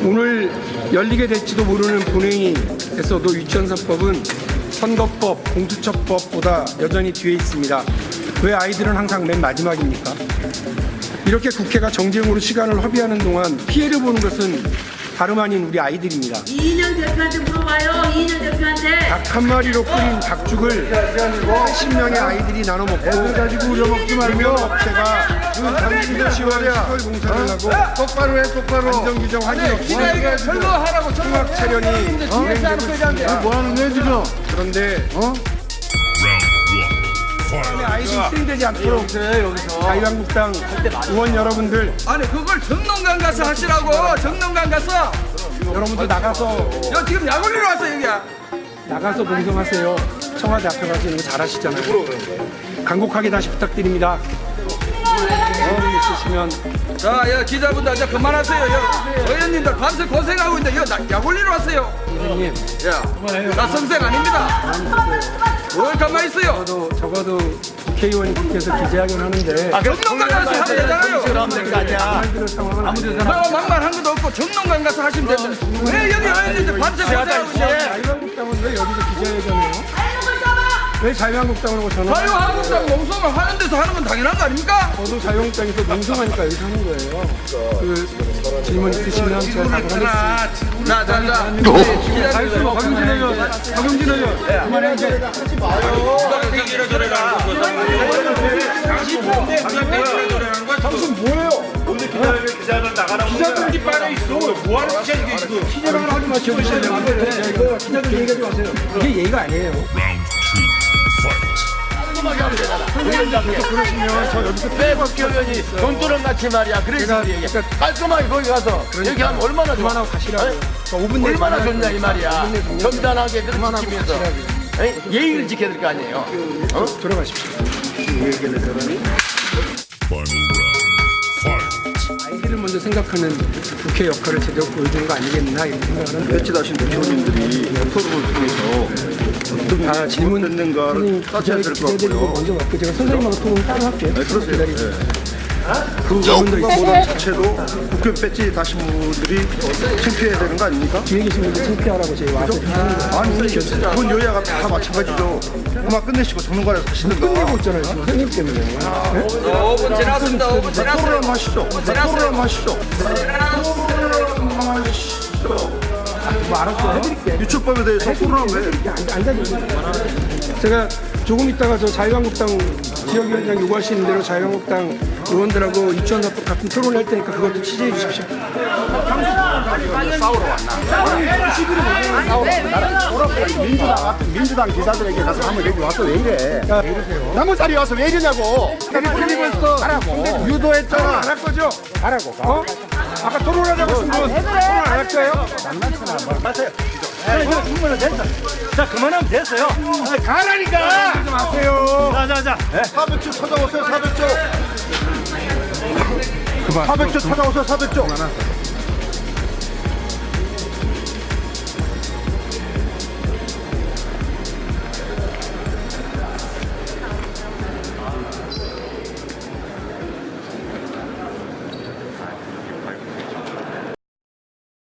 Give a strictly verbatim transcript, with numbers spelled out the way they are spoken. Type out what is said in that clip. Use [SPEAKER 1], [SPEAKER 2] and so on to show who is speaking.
[SPEAKER 1] 오늘 열리게 될지도 모르는 본회의에서도 유치원사법은 선거법, 공수처법보다 여전히 뒤에 있습니다. 왜 아이들은 항상 맨 마지막입니까? 이렇게 국회가 정쟁으로 시간을 허비하는 동안 피해를 보는 것은 다름 아닌 우리 아이들입니다.
[SPEAKER 2] 이인영 대표한테 물어봐요. 이인영 대표한테.
[SPEAKER 1] 닭 한 마리로 끓인 닭죽을 팔십 명의 아이들이 나눠 먹고 가지고 우려 먹지 말고 업체가 당신들 시월 공사를 하고
[SPEAKER 3] 똑바로 해, 똑바로.
[SPEAKER 1] 안전규정 확인 없이
[SPEAKER 4] 철거하라고
[SPEAKER 1] 통합 차련이 진행되고 있습니다.
[SPEAKER 3] 뭐 하는 거야, 지금?
[SPEAKER 1] 그런데
[SPEAKER 3] 어?
[SPEAKER 1] 아이들이 희생되지 않도록 자유한국당 의원 여러분들
[SPEAKER 4] 아니 그걸 정농강 가서 하시라고. 정농강 가서
[SPEAKER 1] 여러분들 나가서
[SPEAKER 4] 여 지금 약 올리러 왔어 여기야.
[SPEAKER 1] 나가서 봉송하세요. 청와대 앞에 가서 이거 잘하시잖아요. 간곡하게 다시 부탁드립니다. 어른 있으시면
[SPEAKER 4] 자, 여 기자분들 이제 그만하세요. 여 의원님들 밤새 고생하고 있는데 여 약 올리러 왔어요.
[SPEAKER 1] 선생님
[SPEAKER 4] 야, 나 선생 아닙니다. 뭘 가만히 있어요.
[SPEAKER 1] 적어도 적어도 국회의원이 국회에서 기자회견 하는데
[SPEAKER 4] 정농강 가서 하면 되잖아요.
[SPEAKER 1] 그럴 상황은 아무데나
[SPEAKER 4] 뭐 만만한 것도 없고 정농강 가서 하시면 된다. 왜 여기 의원님들 밤새 고생하고 있어?
[SPEAKER 1] 자유한국당은 왜 여기서 기자회견해요? 왜 자유한국당으로 전화?
[SPEAKER 4] 자유한국당 농성을 하는 데서 하는 건 당연한 거 아닙니까?
[SPEAKER 1] 저도 자유한국당에서 농성하니까 여기서 하는 거예요. 그 질문 있으시면 제가 답하겠습니다.
[SPEAKER 4] 자, 자, 자.
[SPEAKER 1] 알겠습니다. 박용진 의원, 박용진 의원, 그만해 이제. 당신 뭐예요?
[SPEAKER 5] 오늘 기자회견 기자들 나가라고
[SPEAKER 1] 기자들이 빠져 있어. 뭐 하는 기자 이게 지금? 기자를 하지 마시고 이거 기자들 얘기하지 마세요. 이게 예의가 아니에요. 그러시면 저 여기서
[SPEAKER 6] 왜 국회의원이 돈두렁 같이 말이야. 그래서 얘기. 깔끔하게 거기 가서 얘기하면 얼마나 좋아.
[SPEAKER 1] 그만하고 가시라고요. 오 분 내에
[SPEAKER 6] 얼마나 좋냐 이 말이야.
[SPEAKER 1] 그만하고
[SPEAKER 6] 점잖하게
[SPEAKER 1] 그만하고
[SPEAKER 6] 지키면서
[SPEAKER 1] 가시라고요.
[SPEAKER 6] 예의를 지켜야 될 거 아니에요.
[SPEAKER 1] 어? 들어가십시오. 아이들을 먼저 생각하는 국회 역할을 제대로 보여주는 거 아니겠나 이런 생각을 하는데
[SPEAKER 3] 배치하신 대표님들이 토론을 통해서
[SPEAKER 1] 다 질문
[SPEAKER 3] 됐는가를 따져야 될 것
[SPEAKER 1] 기자들이
[SPEAKER 3] 같고요.
[SPEAKER 1] 먼저 받고 제가 선생님하고 토론 따로 할게요.
[SPEAKER 3] 네, 그러세요.
[SPEAKER 1] 기다리세요. 그 질문도 있고
[SPEAKER 3] 보다 자체도 국회 배치 다신 분들이 창피해야 되는 거 아닙니까?
[SPEAKER 1] 뒤에 계신 분들 창피하라고 저희 와서 하는 거예요.
[SPEAKER 3] 아니, 본 여야가 다 마찬가지죠. 그만 끝내시고 정론관에서 하시는가.
[SPEAKER 1] 끝내고 있잖아요. 지금 선생님 때문에. 네?
[SPEAKER 4] 오 분 지났습니다. 오 분 지났어요.
[SPEAKER 3] 토론 하시죠. 토론 하시죠.
[SPEAKER 1] 뭐 알았어. 해드릴게.
[SPEAKER 3] 유초법에 대해서 토론하면 왜?
[SPEAKER 1] 앉아주세요. 제가 조금 있다가 저 자유한국당 지역위원장 요구하시는 대로 자유한국당 의원들하고 유치원사법 같은 토론을 할 테니까 그것도 취재해 주십시오.
[SPEAKER 3] 민주당, 민주당 기자들에게 가서 한번 여기 와서 왜 이래? 남은 자리에 와서 왜 이러냐고.
[SPEAKER 1] 필리버스터
[SPEAKER 3] 하라고.
[SPEAKER 1] 유도했잖아. 안 할 거죠?
[SPEAKER 3] 하라고.
[SPEAKER 1] 어? 아까 토론하자고 했으면 토론 안 할 거예요?
[SPEAKER 5] 자 그만하면 됐어요. 가라니까.
[SPEAKER 1] 하지 마세요.
[SPEAKER 5] 자자자.
[SPEAKER 3] 사백 조 찾아오세요. 사백 조. 사백 조 찾아오세요. 사백 조.